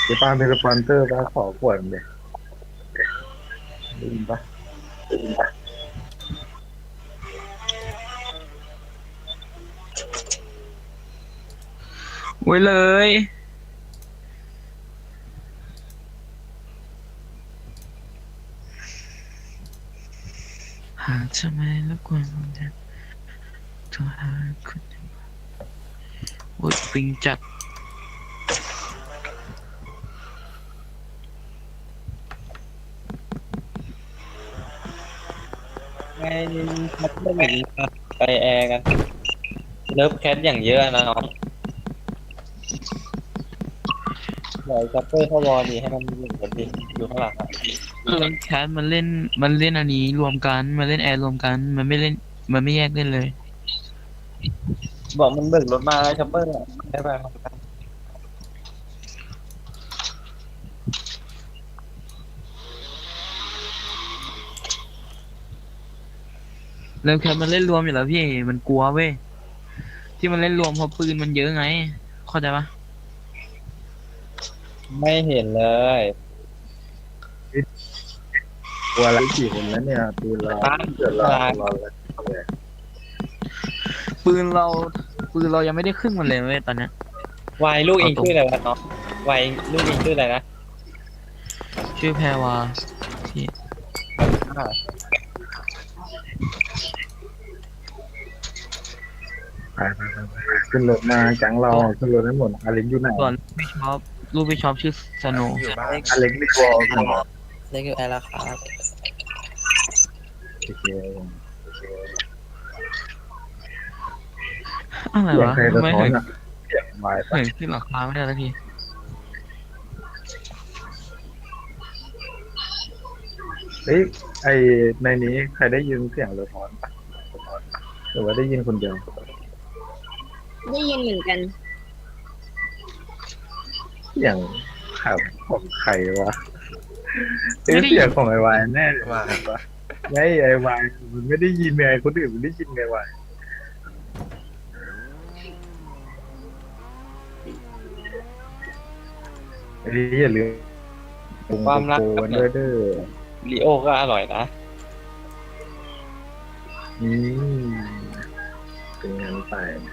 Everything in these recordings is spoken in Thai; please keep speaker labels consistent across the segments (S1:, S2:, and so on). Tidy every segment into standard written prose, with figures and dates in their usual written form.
S1: ที่ป้าเป็นสปอนเซอร์ป้าขอขวดเลยได้ยินปะ
S2: ไว้เลยหากทำไมแล้วกวนมันจะโทรหาคุณโอ้ยปิงจัด
S3: ไงชัปเปอร์อย่างนี้ไปแอร์กันเลิฟแคทอย่างเยอะนะน้องเดี๋ยวชัปเปอร์เข้าวอร์ดีให้มันอยู่กันดิอยู่ข้างหลังอ่ะ
S2: แคสมันเล่นอันนี้รวมกันมันเล่นแอร์รวมกันมันไม่เล่นมันไม่แยกเล่นเลย
S3: บอกมันเบิกรถมาแล้วชัปเปอร์ได้ไปมากัน
S2: แล้วแคสมันเล่นรวมอยู่แล้วพี่มันกลัวเว้ยที่มันเล่นรวมเพราะปืนมันเยอะไงเข้าใจปะ
S3: ไม่เห็นเลย
S1: ตัวละกี่คนแล้วเนี่ยปืนเรา
S3: ตั้ง
S1: เกิดเรา
S3: เวลา
S1: เราเลย
S2: ปืนเราปืนเรายังไม่ได้ครึ่งมันเลยเว้ยตอนเนี้ย
S3: วัยลูกเอ
S2: เอาตรง
S3: งชื่ออะไรวะน้องวัยลูกเองชื่ออะไรนะ
S2: ชื่อแพรวาพี่
S3: อ่า
S1: ไปขึ้นรถมาแก๊งเราขึ้นรถให้หมดอเล็กอยู่ไหน
S2: ส่วนลูกพี่ชอบชื่อสโนว์
S4: อยู่บ้าน
S1: อเล็กไม่กลัวกันเหรอ
S4: เล็กอยู่แอร์แล้วครับ
S1: โอเค
S2: อะไร
S1: เสียง
S2: วะ
S1: ใครสะ
S2: ไม่
S1: ท้อ
S2: เห็
S1: น
S2: น
S1: อ่ะเสียงวายปะ
S2: เห็นขึ้นหลังคาไม่ได้สักที
S1: เฮ้ยไอในนี้ใครได้ยินเสียงสะท้อนปะสะท้อนปะหรือว่าได้ยินคนเดียว
S5: ได้ยินเหมือนกัน
S1: เสียงขับของใครวะเอ้ยเสียงของไอวายแน่เลย
S4: ว่า
S1: วะไม่ไอวายมันไม่ได้ยินไงคนอื่นมันได้ยินไงวายไอ้นี่อย่าลืม
S3: ความรัก
S1: โก
S3: กับ
S1: นด้วยเด้อ
S3: ลีโอก็อร่อยนะ
S1: อืมเป็นงั้นไป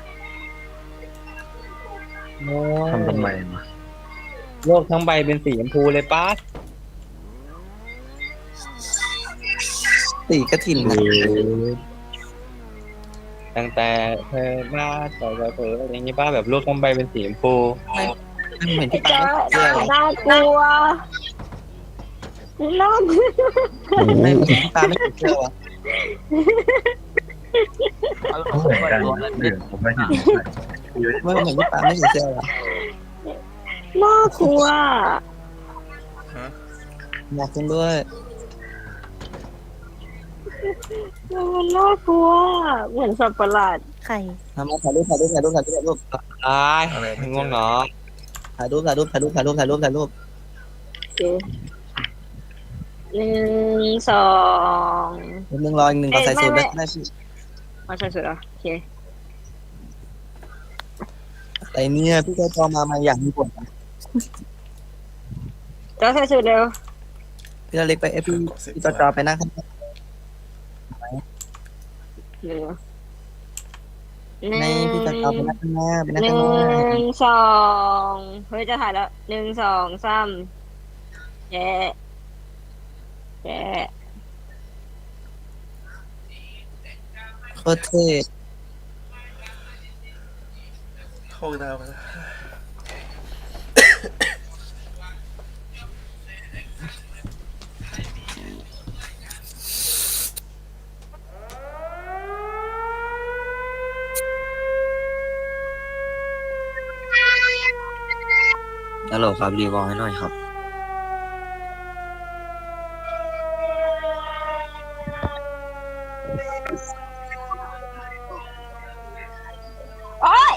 S1: ทำไมวะ
S3: โลกทั้งใบเป็นสีชมพูเลยป้า
S4: ตีกระถิ่น
S1: เอ
S4: นะ
S1: อ
S3: ตั้งแต่เธอมาต่อยกับเธออะไรอย่างงี้ป้าแบบโลกทั้งใบเป็นสีชมพู
S4: ไม่เหมือนที่
S5: จ้า
S4: ป้าไม่เชื่อเลย
S5: น่ากลัวน่ากลัว
S4: ไม่เหมือนที่ป้าไม่เชื่อวะ
S1: เขาเหมือนกันผมไม่เห็นเยอะ
S4: ไม่เหมือนที่ป้าไม่เชื่อวะ
S5: น่ากลัว
S4: อยากกินด้วย
S5: มันน่ากลัว เหมือนสัตว์ประหลาดไข่
S4: ทำมาถ่ายรูปถ่ายรูปถ่ายรูปถ่ายรูปถ่ายรูป
S3: ตายง่วงเนาะ
S4: ถ่ายรูปถ่ายรูปถ่ายรูปถ่ายรูปถ่ายรูปถ่ายรูป
S5: โอเคหนึ่งสอง
S4: นิดนึงรออีกหนึ่งก่อนใส่สูตรได้พี่
S5: มาใส่สุดเหรอโอเค
S4: แต่เนี่ยพี่ก็จอมาอย่างมีผล
S5: จ้าใส่สุดเร็ว
S4: พี่เล็กไปพี่จอไปนั่งข้าง
S5: เร็ว
S4: ในพี่จอไปนั่งข้างหน้าไปนั่ง
S5: ห
S4: ข้างหน้า
S5: นึ่งสองเฮ้ยจะถ่ายแล้วหนึ่งสองสามแย่แย่
S4: โคตรเท่
S6: ห้องน้ำนะ
S4: ฮัลโหลครับรีวอลให้หน่อยครับ
S5: โอ๊ย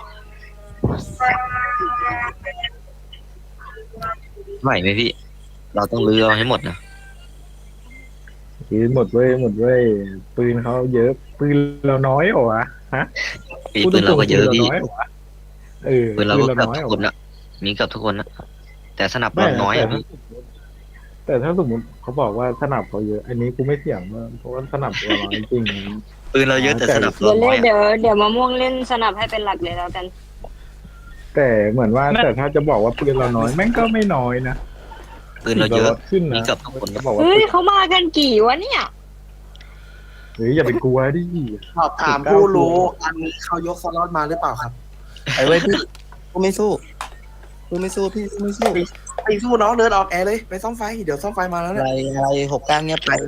S7: ไหวไหมพี่ เราต้องรื้อเอาให้หมดนะ
S1: คือหมดเว้ยหมดเว้ยปืนเขาเยอะปืนเราน้อยเหรอวะฮะ
S7: ปืนเราก็เยอะพี่
S1: ปืนเราน้อยเหรอวะเออ
S7: ปืนเราก็
S1: ปืน
S7: เกือบ
S1: น้อย
S7: ทุ
S1: เหรอ
S7: กคนนะมีเกือบทุกคนนะแต่สนับเราน้อยอะพี่
S1: แต่ถ้าสมมติเขาบอกว่าสนับเขาเยอะ อันนี้กูไม่เถียงมากเพราะว่าสนับเราน้อยจริง
S7: ปืนเราเยอะแต่สนับ
S5: เดี๋
S7: เรา
S5: ยว
S7: น้
S5: เล่
S7: อย
S5: น
S7: อะ
S5: เดี๋ยวมะม่วงเล่นสนับให้เป็นหลักเลยแล้วกัน
S1: แต่เหมือนว่าแต่ถ้าจะบอกว่าปืนเราน้อยแม่งก็ไม่น้อยนะ
S7: ปืนเราเยอะ
S1: ขึ้น
S7: มี
S1: นะ
S7: เกือบทุกคน
S1: เขาบอกว่า
S5: เฮ้ยเขามากันกี่วะเนี่ย
S1: เฮ้ยอย่าไปกลัวดิ
S8: สอบถามผู้รู้อันนี้เขายกสล็อตมาหรือเปล่าครับ
S4: ไอ้เว้ยพี่กูไม่สู้กูไม่สู้พี่กูไม่สู้
S8: ไปสู้น้องเดินออกแอร์เลยไปซ่อมไฟเดี๋ยวซ่อมไฟมาแล้ว
S4: อะ
S8: เนี่ย
S4: ไรอะไร69เงียบไป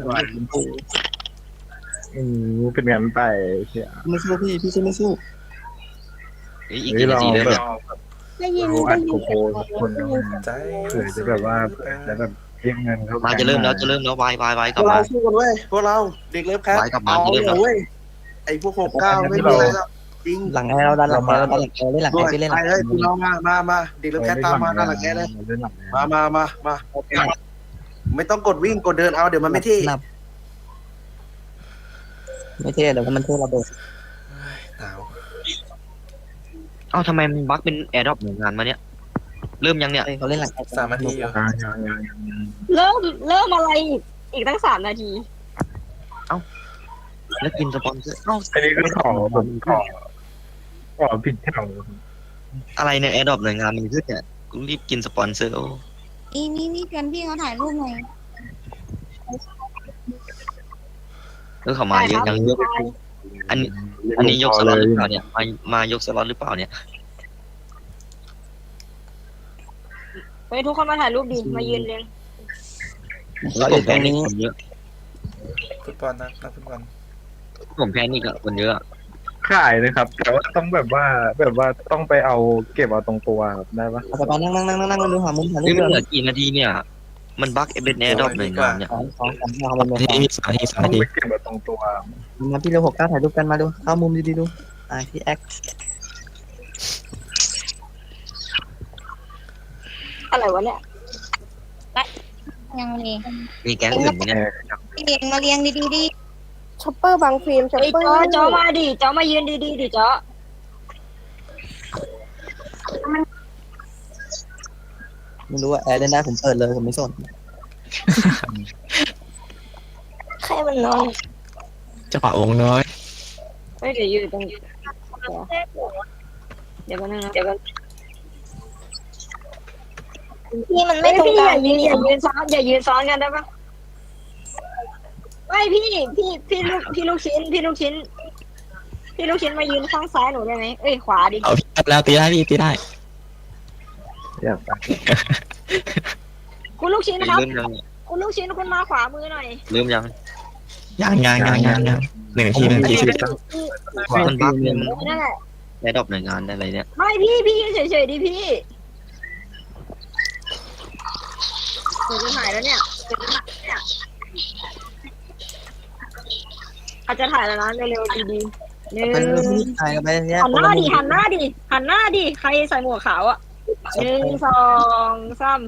S1: เป็นงานไปเชีย
S4: กูไม่สู้พี่สู้ไม่สู้
S7: เฮ้ยอีก
S1: เฮ้ย
S7: กี่นา
S1: เรา
S7: ทีเริ่ม
S1: แบ
S7: เนี่ย
S1: บเราอัดโกโก้คนนึง
S6: ใจ
S1: เผื่อจะแบบว่าจะแบบเรียกเงินเขา
S7: มาจะเริ่มแล้ววายก
S8: พ
S7: ลั
S8: ว
S7: บ
S8: ก
S7: มา
S8: เราสู้กันเว้ยพวกเราเด็กเลิฟแคท
S7: ไว้กลับมา
S8: เอา
S7: จะเริ่มแล้ว
S8: เว้ยไอ้พวก69ไม่มีอะไรแล้วจริง
S4: หลังแอร์เราดันหลังแอร์เราดันหลังแอร์เล่นหลัง
S8: ด้
S4: แอ
S8: วย
S4: ร์พี่เล่นห
S8: ไป
S4: ลัง
S8: เลยพี่น้องมาเด็กเลิฟแคทตามมาด้านหลังแอร์เลยมาไม่ต้องกดวิ่งกดเดินเอาเดี๋ยวมันไม่เท่
S4: นับไม่เท่เดี๋ยวมันเท่ระเบิด
S6: หนาว
S7: เอ้าทำไมมันบั๊กเป็นแอร์ดรอปหน่วยงานมาเนี่ยเริ่มยังเนี่ย
S4: เขาเล่นหลังแอร์
S6: 3 นาทีอยู่
S5: เริ่มอะไรอีกตั้ง3 นาที
S7: แล้วกินสปอนเซอร์เอ้า
S1: อันนี้ก็ขอผิดแถว
S7: อะไรเนี่ยแอร์ดรอปหน่วยงานมันขึ้นเนี่ยกูรีบกินสปอนเซอร์โอ้
S9: นี่เพื่อนพี่เขาถ่ายรูปหน่อย
S7: เขามาเยอะยังเยอะอันนี้ยกสล็อตหรือเปล่าเนี่ยมายกสล็อตหรือเปล่าเนี่ย
S5: เฮ้ยทุกคนมาถ่ายรูปดิมายืนเรียง
S7: แล้วผมแพ้นี่คนเยอะ
S6: ฟุตบอลนักฟุตบอล
S7: ผมแพ้นี่กับคนเยอะ
S1: ขายนะครับ แต่ว่าต้องแบบว่าต้องไปเอาเก็บเอาตรงตัวครับได้ปะ
S4: เอาไปนั่งดูหามุมถ่ายรู
S7: นี่
S4: ป
S7: มันเห
S4: เล
S7: ลื
S4: ย
S7: อกี่นาทีเนี่ย มันบั๊กเป็นแอร์ดรอปหน่วยงานเนี่ย
S4: 2 3เอามุมเลย
S1: ต้องไปเก็บเอาตรงตัว
S4: มาพี่เร็ว69ถ่ายรูปกันมาดูเข้ามุมดีๆดูพี่แอค
S5: อะไรวะเนี่ย
S9: ยังเลย
S7: มีแก๊งอื่นไหมเนี่ย
S9: เรียงมาเรียงดีๆดิ
S5: ช็อปเปอร์บางฟิล์มช็อปเปอร์จ้อมาดิจ้อมายืนดีดิจ้อ
S4: ไม่รู้ว่าแอร์เล่นได้ผมเปิดเลยผมไม่สน
S5: ใครมันนอน
S2: จังหวะวงน้อย
S5: เฮ้ยเดี๋ยวอยู่ตรงเดี๋ยวกันนึงนะเดี๋ยวกัน
S9: พี่มันไม่
S5: ไม่
S9: ตรง
S5: พี่
S9: ก
S5: อ
S9: ลาง
S5: ย่ายืนซ้อนกันได้ปะไม่พี่ลูกชิ้นพี่ลูกชิ้นมายืนข้างซ้ายหนูได้ไหมเอ้ยขวาดิ
S2: เอาพี่แล้วตีได้พี่ตีได้
S1: อยากไป
S5: คุณลูกชิ้นครับ
S7: เริ่มยัง
S5: คุณลูกชิ้นคุณมาขวามือหน่อย
S7: เริ่มยัง
S2: ยัง1 นาที1 นาที
S7: มันบั๊กเป็น
S5: นั่นแหละ
S7: แอร์ดรอปหน่วยงานอะไรเนี่ย
S5: ไม่พี่เฉยๆดิพี่เดี๋ยวจะถ่ายแล้วเนี่ยอาจจะถ่ายแล้วนะเร็วๆดีๆหนึ่ง
S4: เป็นพี่ถ่ายกันไปเนี่ย
S5: หันหน้าดิใครใส่หมวกขาวอ่ะ1 2 3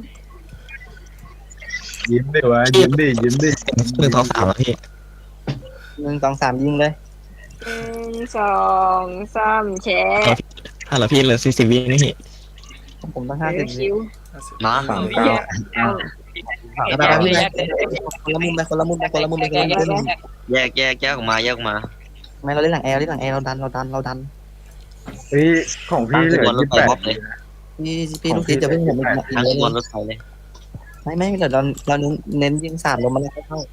S1: ยิ้มดิวะยิ้มดิ
S2: 1 2 3แล้วพี่
S4: 1 2 3ยิงเลย
S5: 1 2 3แชร์
S2: ถ้าเราพี่เหลือ40 วินี่พี่
S4: ผมต้อง
S5: เดี๋ยว
S4: 50
S5: คิว
S7: มา
S4: ไปพี่คนละมุมไปคนละมุมไปคนละมุมไปคนละมุม
S7: แยกออกมา
S4: ไม่เราเล่นหลังแอร์เราดัน
S1: เฮ้ยของพี่เหลือ 28
S4: พี่ลูกศิษย์จะเพิ่งผม
S7: ทั้งบอลรถไฟเลย
S4: ไม่เดี๋ยวเราเน้นยิง3ลงมาแล้วเข้า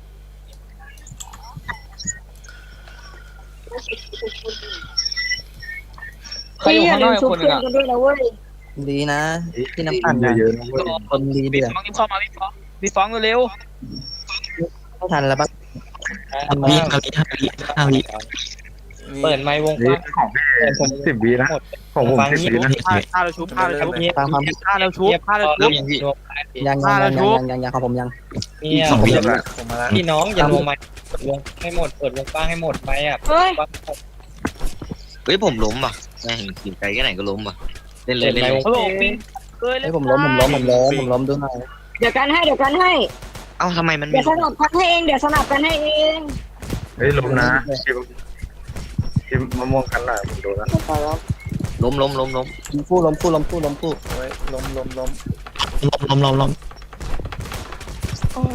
S5: พี่อย่าลืมชุบเพื่อนกันด้วยนะเว้ย
S4: ดีนะพี่น้ำปั่น
S1: เยอะๆนะเว้ย
S4: คนดีเดือด
S10: เข้ามาพี่ฟ้องเร็ว
S4: ไม่ทันแล้วปะ
S2: วิ5 วิ
S3: เปิดไมค์วงก
S1: นี่
S3: ว้าง
S1: ของพี่10 วินะของผม10 วินะ
S10: ผ้าเราชุบผ้าเราชุบ
S4: ตามความ
S10: ผ้าเราชุบผ้าเรา
S7: เริ่
S10: ชุ
S7: ม
S10: บ
S7: ยังพี่
S4: ยังของผมยัง
S3: เนี่ย
S2: 2 วิ
S6: ผมมาแล้ว
S3: พี่น้องอย่าลงไมค์วงให้หมดเปิดวงกว้างให้หมดไหมอ่ะ
S5: เฮ้ย
S7: เฮ้ยผมล้มป่ะแม่งกินไกลแค่ไหนก็ล้มป่ะเล่นเล
S3: เปิ
S7: ย
S3: ดไมค์วง
S10: เขาบอกพี่เคยเล
S4: ให้
S10: ย
S4: ผมล้มดูหน่อย
S5: เดี๋ยวกันให้
S7: เอ้าทำไมมัน
S5: เดี๋ยวสนับกันให้เองเดี๋ยวสนับกันให้เอง
S1: เฮ้ยลงนะทีมมะม่วงกันหน่อยผมดูนะ
S7: ล้ม
S4: คู่
S6: โอ้ยล้ม
S2: ล้ม
S9: โอ้ย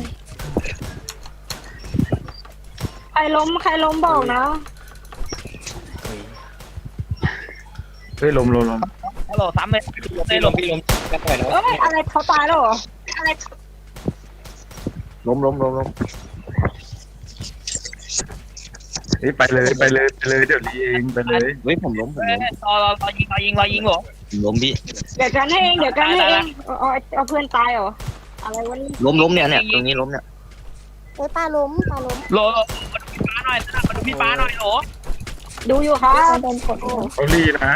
S5: ใครล้มบอกนะ
S1: เฮ้ยลม
S10: ฮัลโหลซ้ำเลย
S3: พี่ลมกันหน่อยนะ
S5: เอ้ยอะไรเขาตายแล้วเหรอ
S1: ล้มเฮ้ยไปเลยเดี๋ยวนี้เองไปเลย
S7: เฮ้ยผมล้ม
S10: รอยิงเหรอ
S7: ผมล้มพี่
S5: เดี๋ยวกันให้เองเอาเพื่อนตายเหรออะไรวะนี่
S7: ล้มเนี่ยตรงนี้ล้มเนี่ย
S9: เฮ้ยปลาล้ม
S10: โหลมาดูพี่ฟ้าหน่อยโหล
S5: ดูอยู่ครับ
S9: โดนกด
S1: เขาลีนะ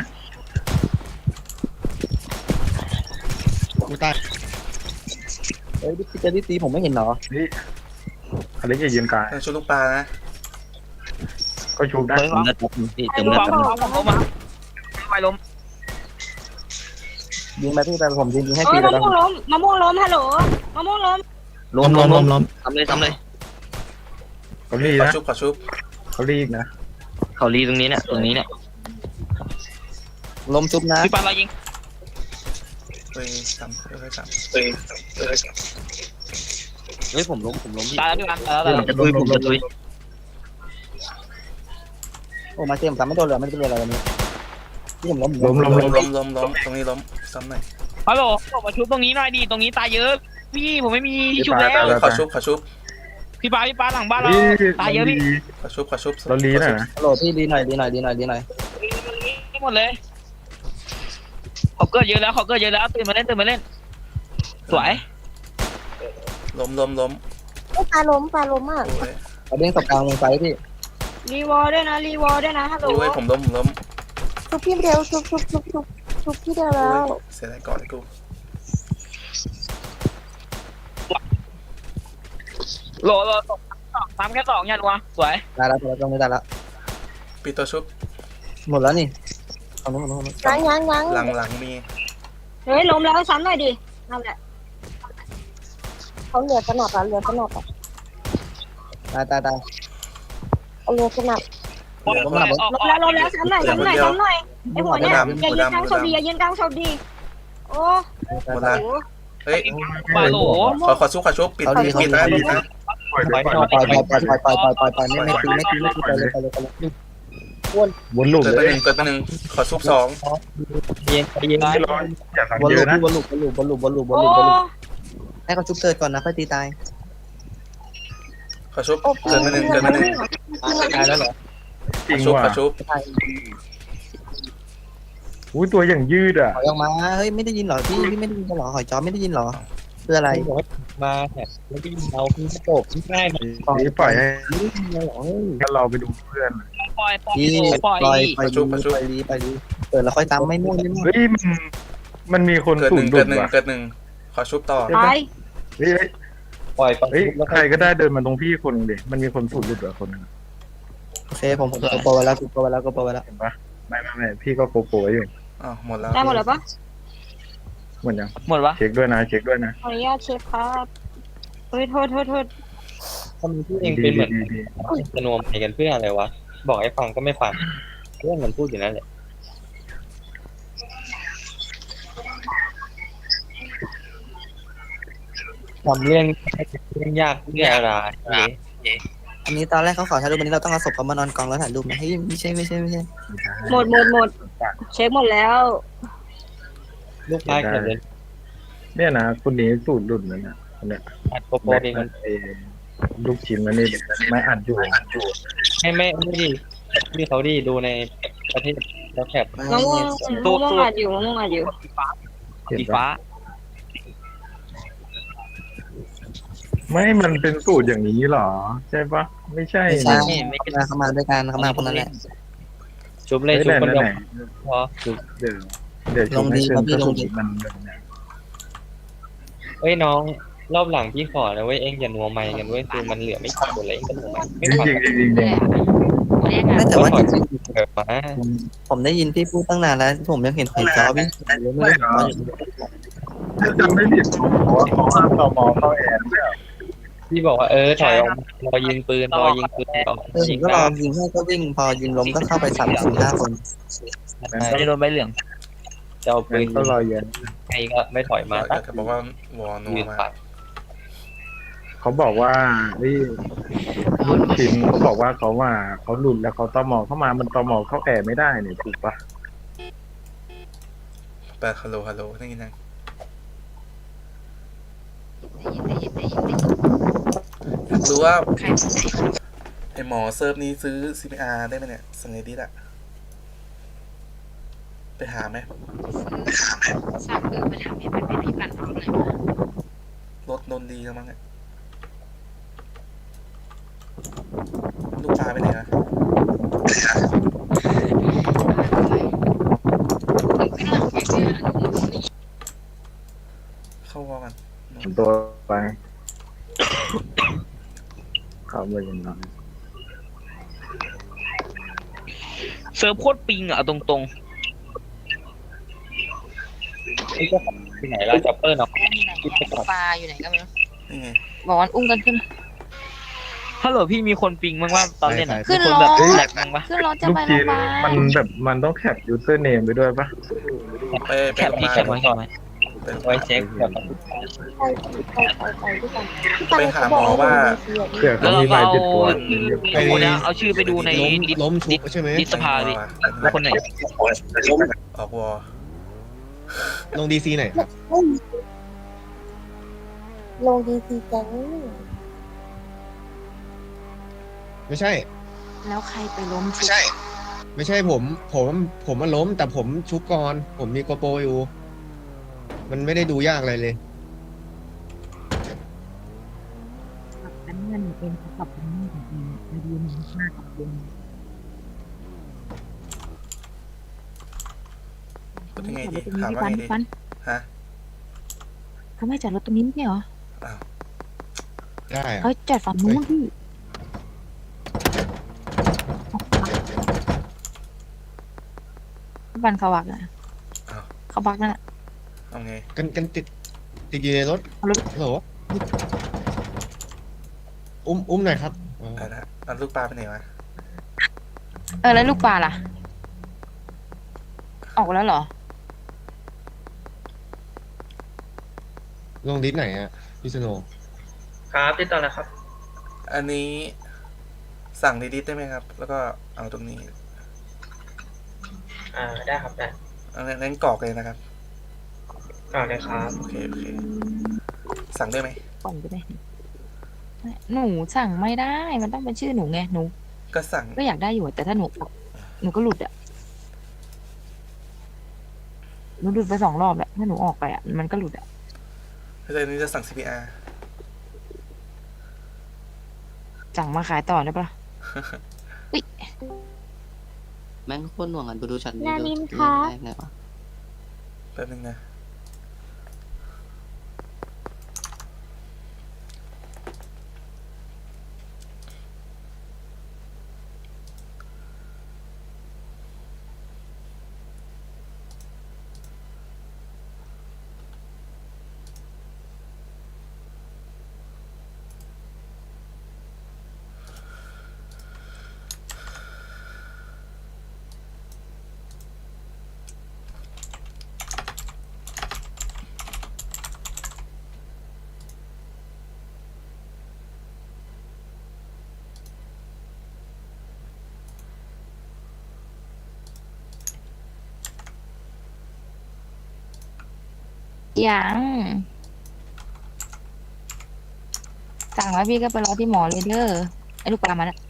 S4: กูตายเฮ้ยพี่จะตีผมไม่เห็นเหรอ
S1: นี่อะไรจะยืนกาย
S6: ต้องชุบลูกปลานะ
S1: ก็ชูได้
S7: เติมเลือดครับพี่เติม
S10: พี่
S7: เลือด
S10: ฟ้า
S7: ครับ
S10: ผมมาไปล้ม
S4: ยิงไปพี่ไปผมยิงให้
S5: เอ้
S4: ตี
S5: ย
S4: ไป
S5: มะ
S4: แล้ว
S5: ม่วงล้มฮัลโหลมะม่วงล้ม
S7: ล้มทำเลย
S1: เขาลี
S6: ขอ
S1: นะ
S6: ชุบ
S1: เขาลีนะ
S7: เขาลีตรงนี้เนี่ย
S4: ล้มชุบนะ
S10: พี่ฟ้าเรายิง
S6: เฮ้ยซ้ำเฮ้ยซ้
S7: เฮ้ยผมล้มพี่
S10: ตายแล้วพี่ฟ้าตายแล้ว
S7: ผมจะตุย
S4: โอ้มาเต็มซ้ำไม่โดนเลยไม่โดนอะไรวันนี้ที่ผมล้ม
S6: ำล้มตรงนี้ล้มซ้ำหน่อย
S10: ฮัลโหลมาชุบตรงนี้หน่อยดิตรงนี้ตายเยอะพี่ผมไม่มีที่ชุบแล้ว
S6: ขอชุบ
S10: พี่ฟ้าหลังบ้านเราตายเยอะพี่
S6: ขอชุบ
S1: เราลีนะ
S4: ฮัลโหลพี่ดีหน่อย
S10: หมดเลยเขาเกิดเยอะแล้วตื่นมาเล่นสวย
S6: ล้ม
S9: ปลาล้มอ่ะ
S6: โอ้ย
S4: เอาเด้งตบกลางลงไปพี่
S5: รีวอลด้วยนะฮัลโหล
S6: โอ้ยผมล้ม
S9: ชุบพี่เดียวชุบพี่เดียวแล้ว
S6: เสียดายก่อนกู
S10: โหลซ้ำแค่2ยันวะสวย
S4: ได้แล้วตรงนี้ได้แล้ว
S6: ปีตัวชุบ
S4: หมดแล้วนี่เอานู้น
S9: ยัง
S6: หลังมี
S5: เฮ้ยล้มแล้วซ้ำหน่อยดินั่นแหละ
S9: เขาเหลือกระหนับอ่ะตาย เอาเรือสนับ
S5: ล้มแล้วซ้ำหน่อยไอ้หัวเนี่ยอย่ายืนกลางศพดีโอ้
S6: หมดละเฮ้ย
S10: ปาโหล
S6: ขอชุบปิดนะ
S1: ปล่อย
S4: ปล่อยไม่ตีไปเลย
S1: วนลูก
S6: เกิด
S1: เล
S6: ไป
S1: ย
S6: หนึ่งขอชุบ2
S1: ไม่ร้อนอย่าทำ
S4: บอล
S1: เย
S4: ลู
S1: อะนะ
S4: บอลลู
S5: โอ้
S4: ให้เขาชุบเกิดก่อนนะค่อยตีตาย
S6: ขอชุบเกิดไปหนึ่ง
S4: ตายแล้วเหรอ
S1: จริง
S6: ขอ
S1: ว่ะ
S6: ชุบ
S1: อุ้ยตัวอย่างยืดอ่ะ
S4: ถอยออกมาเฮ้ยไม่ได้ยินเหรอพี่ไม่ได้ยินเหรอหอยจอไม่ได้ยินเหรอเพื่ออะไร
S3: มาเนี่ยแล้วพี่เอาพี่โตกพี่ง่ายมัน
S1: นี่ปล่อยให้เราไปดูเพื่อน
S10: ปล่อย
S4: พี่ปล่อยไปดีเปิดแล้วค่อยตามไม่ม่วง
S1: เฮ้ยมันมีคน
S6: เกิด
S1: สู
S6: ห
S1: ง
S6: นึ่ง
S1: ดุ
S6: เกิ
S1: ด
S6: ดหนึ่ง
S1: ว่ะ
S6: เกิดหนึ่งขอชุบต่อ
S5: ตาย
S1: เฮ้ย
S3: ปล่อย
S1: เฮ้ยใครก็ได้เดินมาตรงพี่คนนึงดิมันมีคนสูงดุดอ่ะคนนึง
S4: โอเคผมโปรไว้แล้ว
S1: เห็นปะไม่พี่ก็โปรอยู่
S6: อ๋อหมดแล้ว
S5: ได้หมดแล้วปะ
S1: หมดยัง
S10: หมดวะ
S1: เช็คด้วยนะ
S5: ขออนุญาตเช็คครับเฮ้ยโทษ
S3: ทำพี่เองเป็นเหมือนสนวมไปกันเพื่ออะไรวะบอกให้ฟังก็ไม่ฟังเรื่องมันพูดอยู่นั่นแหละทำเรื่องยากเรื่องอะไร
S4: อันนี้ตอนแรกเขาขอถ่ายรูปวันนี้เราต้องเอาศพเขามานอนกองแล้วถ่ายรูปนะเฮ้ยไม่ใช่
S5: หมดเช็คหมดแล้ว
S3: ลูกค้าเกิดเลย
S1: เนี่ยนะคนนี้สูตรดุดเลยนะคนเนี้ย
S3: อัดโปโป
S1: แบ็ค
S3: เอง
S1: มันลูกชิ้นมันนี่ไม่อัดอยู่
S3: ไม่ดีที่เขาดีดูในประเทศแล้วแคบ
S5: มะม่วงอัดอยู่
S10: สีฟ้า
S1: ไม่มันเป็นสูตรอย่างนี้หรอใช่ปะไม่ใช่
S4: ไม่ใช่เขามาด้วยกันเขามาคนนั้นแหละ
S3: ชุบเลยชุบคนเดียวพอ
S1: เดี๋ยวชมให้เชิญก็สูตรมันแบบนี้
S3: เอ้ยน้องรอบหลังพี่ขอนะเว้ยเอ็งอย่านัวไมค์กันเว้ยคือมันเหลือไม่กี่คนเลยเอ็งก็นัวไมค์ไม่ฟัง
S1: จริง
S4: ไม่แต่ว่าจริง
S3: เกิดมา
S4: ผมได้ยินพี่พูดตั้งนานแล้วผมยังเห็นหอยจอพี่ไม่ได้
S1: ถ้าจำไม่ผิดเพราะว่าเขาห้ามตมเข้าแอนเนี่ย
S3: พี่บอกว่าถอยออกรอยิงปืนก่อน
S4: ผมก็รอยิงให้ก็วิ่งพอยิงล้มก็เข้าไป3-4-5 คน
S10: ไม่ได้โดนใบเหลือง
S3: ใจจะเอาปื
S1: งั้
S3: น
S1: นก็รอเย็น
S3: ใครก็ไม่ถอยมา
S6: อยากจะบอกว่าวอนัว
S3: ยืน
S6: มา
S3: ปัด
S1: เขาบอกว่ารุ่นชินเขาบอกว่าเขาหลุดแล้วเขาตอมอเข้ามามันตอมอเข้าแอร์ไม่ได้เนี่ยถูกปะ
S6: ไปฮัลโหลฮัลโหลนี่นะอยากรู้ว่าไอหมอเซิร์ฟนี้ซื้อ CPR ได้ไหมเนี่ยสังเกตดิอะไปหาไหม
S2: สั่งไปทำให้มันเป็นพี่ปั่นเอาเลย
S6: รถโดนดีแล้วมั้งเนี่ยลูกปลาไปไหนนะเข้าวอกัน
S1: ตัวไปเขาเลยยังน้อย
S10: เซิร์ฟโคตรปิงอ่ะเอาตรง
S3: ที่ไหนล่ะจัปเปอร์เนาะ
S2: ปลาอยู่ไหนก็ไม่รู้
S6: นี่ไง
S2: บอกวันอุ้มกันขึ้น
S10: ๆฮัลโหลพี่มีคนปิงบ้างว่าตอนเล่นอ่ะ
S2: ขึ้น
S10: มีคน
S2: ร
S10: แบบ
S2: ถ
S10: แหลกบ้างปะ
S2: ขึ้นรถจะ
S1: ลูก
S2: ไปโร
S1: จี
S2: งพ
S1: น
S2: ยาบาล
S1: มันต้องแคปยูเซอร์เนมไปด้วยปะ
S6: ไป
S10: แคป
S6: โรงพ
S10: พี่
S6: ยา
S10: แคป
S6: บา
S10: ไว้
S6: ล
S10: ก่อนไหม
S6: ไปโรงพ
S3: ไว้
S6: ยาบาล
S3: เช็คแบบ
S9: ไปด้วยกัน
S6: ไปหาหมอว่า
S1: เผื่อ
S10: แล้
S1: เขา
S10: ว
S1: มี
S10: เรา
S1: ใบ
S10: ก็
S1: ติดตัว
S10: เอาชื่อไปดูในดิส
S4: ล้มชุบใช่ไหม
S10: ดิสภาดิว่าคนไหน
S6: ออกวอ
S4: ลงดีซีไหนครับ
S9: ลงดีซีแก๊ง
S4: ไม่ใช่
S2: แล้วใครไปล้ม
S4: ไม่ใช่ ไม่ใช่ผมมันล้ม แต่ผมชุบก่อน ผมมีโกโปรอยู่ มันไม่ได้ดูยากอะไรเลย
S2: อันนี้มันเป็นกับเป็นนี่ของเองไอเดียมันมากกับเอง
S6: พูดยังไงดีถามว่าไงดีฮะ
S2: เขาไม่จอดรถตรงนี้ไม่ใช่เหรอ
S6: อ้าว
S4: ได้อะ
S2: เขาจอดฝั่งนู้นพี่พี่บันเขาบักนะเขาบักนั่นแหละ
S6: เอาไง
S4: กันติดอยู่ในรถ
S2: เอารถ
S4: โหลอุ้มหน่อยครับอ๋อ
S6: ไปละเอาลูกปลาไปไหนวะ
S2: แล้วลูกปลาล่ะ ออกแล้วเหรอ
S4: ลงดิสไหนอะพี่สโนว์
S3: ครับติดต่อแล้วครับ
S6: อันนี้สั่งดีๆได้ไหมครับ แล้วก็เอาตรงนี้
S3: ได้ครับได้
S6: เอางั้นกรอกเลยนะครับ
S3: ก่อนเลยครับ
S6: โอเคโอเค สั่งได้ไหม
S2: ก่อนไปเลยหนูสั่งไม่ได้ มันต้องเป็นชื่อหนูไง หนู
S6: ก็สั่ง
S2: ก็อยากได้อยู่ แต่ถ้าหนูก็หลุดอ่ะ หนูหลุดไป2 รอบแล้วถ้าหนูออกไปอ่ะ มันก็หลุดอ่ะ
S6: เพราะฉะนั้นจะสั่ง CPR
S2: สั่งมาขายต่อได้ปะ
S7: แม่งโคตรหน่วงอ่ะดูช็อตนี้
S9: นา
S7: ดู
S9: นิน
S7: เรื่
S9: คะ
S7: องแรกเลยวะ
S6: แป๊บนึงนะ
S2: ยังสั่งแล้วพี่ก็ไปรอที่หมอเลยเด้อไอ้ลูกปลามาแล้ว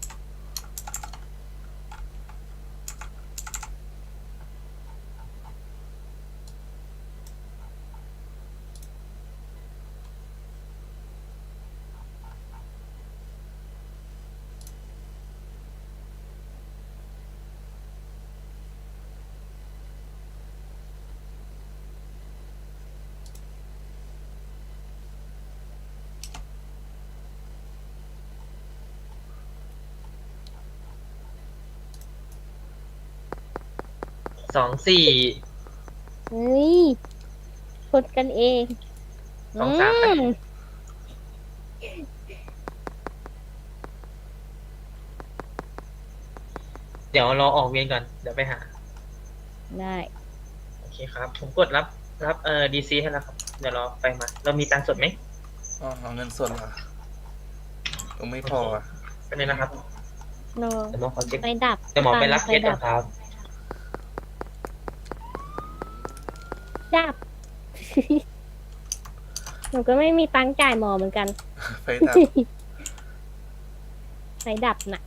S3: 24
S9: เฮ้ยชนกันเอง
S3: 2-3
S9: อืม
S3: เดี๋ยวรอออกเวียนก่อน เดี๋ยวไปหา
S9: ได้
S3: โอ
S10: เคครับ ผมกดรับดีซีให้แล้วครับ เดี๋ยวรอไฟมา เรามีตังค์สดไหม
S6: อ๋อเอาเงินสดเหรอไม่พออ่ะ
S10: เป็นไงนะครับ
S9: โน
S10: เดี๋ยวหมอขอเช็ค
S9: ไฟดับ
S10: เดี๋ยวหมอไปรับเคสก่อนครับ
S9: ดับ หนูก็ไม่มีตังค์จ่ายหมอเหมือนกัน
S6: ไฟดับ
S9: ไฟดับน่ะ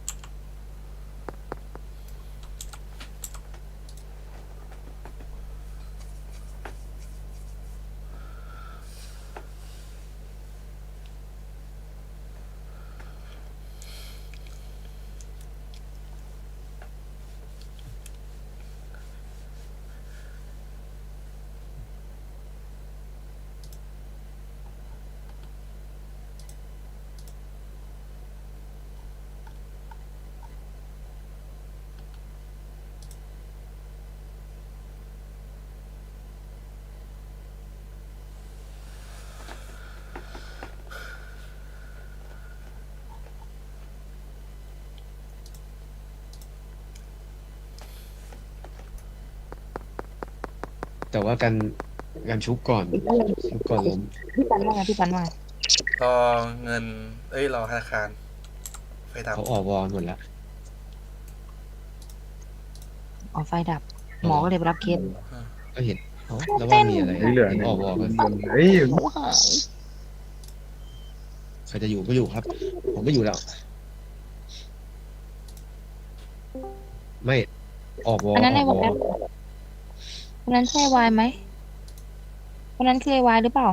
S4: แต่ว่าการชุบก่อนล้ม
S2: พี่ปันว่าไงพี่ปันว่าไง
S6: รอเงิน รอธนาคาร ไฟดับ
S4: เขาออกวอลหมดแล้ว
S2: อ๋อไฟดับ หมอก็เลยไปรับเคส
S4: ก็เห็นแล้วว่ามีอะไร
S1: เหลือ
S4: เห็น
S1: เนี่ย
S4: ออกวอลกัน
S1: เฮ้ย
S4: ใครจะอยู่ก็อยู่ครับ ผมก็อยู่แล้ว ไม่ออกวอล
S2: อันนั้นใน
S4: อ
S2: ว
S4: อก
S2: ง
S4: วอล
S2: คนนั้นใช่วายไหมคนนั้นคือวายหรือเปล่า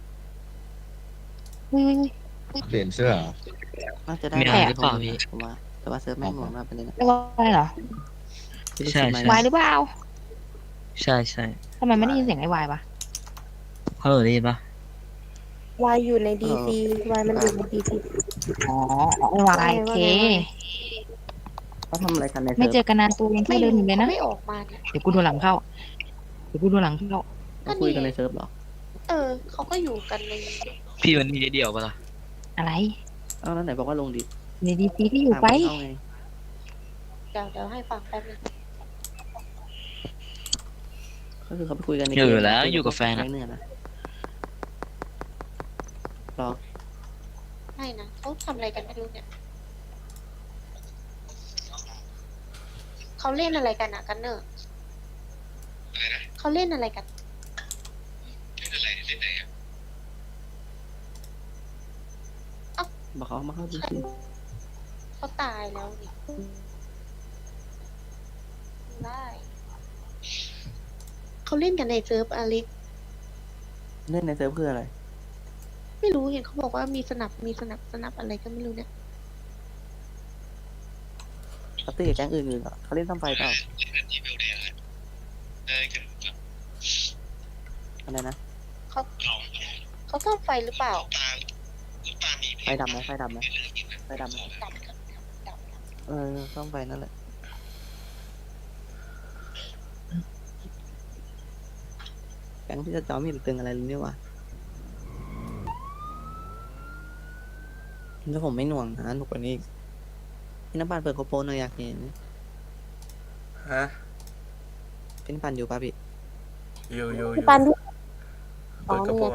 S2: อุ้ย
S4: เปลี่ยนเสื้อเหรอ
S11: น่าจะได้
S2: มีอะไรหรือเปล่าพี่
S11: ผมว่าแต่ว่าเซิร์ฟแม่งหน่วงมากประเด็นนะ
S2: ไม่วายเหรอ
S11: ใช่
S2: วายหรือเปล่า
S10: ใช่ใช่
S2: ทำไมไม่ได้ยินเสียงไอ้วายวะ
S10: เขาได้ยินปะ
S9: วายอยู่ในดีซีวายมันอยู่ในดีซี
S2: อ๋อไอ้วายโอเค
S11: เขาทำอะไรกันใน
S2: ไม่
S11: เซิร์ฟ
S2: เจอกันนานตัวยังแค่เดินอยู่เลยนะ
S9: ไม่ออกมาเนี่ย
S2: เดี๋ยวกูดูหลังเข้า เดี๋ยวกูดูหลังเข้า
S11: เขาคุยกันในเซิร์ฟเหรอ
S9: เขาก็อยู่กันใน
S10: พี่มันมีเดียวปะล่ะ
S2: อะไร
S11: เอาแล้วไหนบอกว่าลงดิ
S2: ในดีซีที่อยู่ไป
S11: ถามเขาไง
S9: เดี๋ยวให้ฟังแป๊บนึง
S11: ก็คือเขาไปคุยกันใน
S10: อยู่แล้วอยู่กับแฟน
S11: อะ
S10: อะ
S11: เนี่ยนะรอ
S9: ไม่นะเขาทำอะไรกันไม่รู้เนี่ยเขาเล่นอะไรกันอะกันเนอร์เขาเล่นอะไรกัน
S11: บอกเขามาเข้าดิ
S9: เขาตายแล้วนี่ได้เขาเล่นกันในเซิร์ฟอลิส
S11: เล่นในเซิร์ฟคืออะไร
S9: ไม่รู้เห็นเขาบอกว่ามีสนับอะไรก็ไม่รู้เนี่ย
S11: ปาร์ตี้กับแก๊งอื่นๆเหรอเขาเล่นซ้ำไฟเปล่าอะไรนะ
S9: เขาซ่อมไฟหรือเปล่า
S11: ไฟดับไหมไฟดับไหมไฟดับไหม
S9: ดับ
S11: ซ่อมไฟนั่นแหละแก๊งที่จะจอมมีตึงอะไรหรือเนี่ยวะถ้าผมไม่หน่วงนะหนุกกว่านี้อีกพี่น้ำปั่นเปิดโคโปนหน่อยอยากเห็น
S6: ฮะ
S11: พี่น้ำปั่นอยู่ป่ะพี่
S6: อยู่
S9: ปัน
S6: เปิดกระโปรง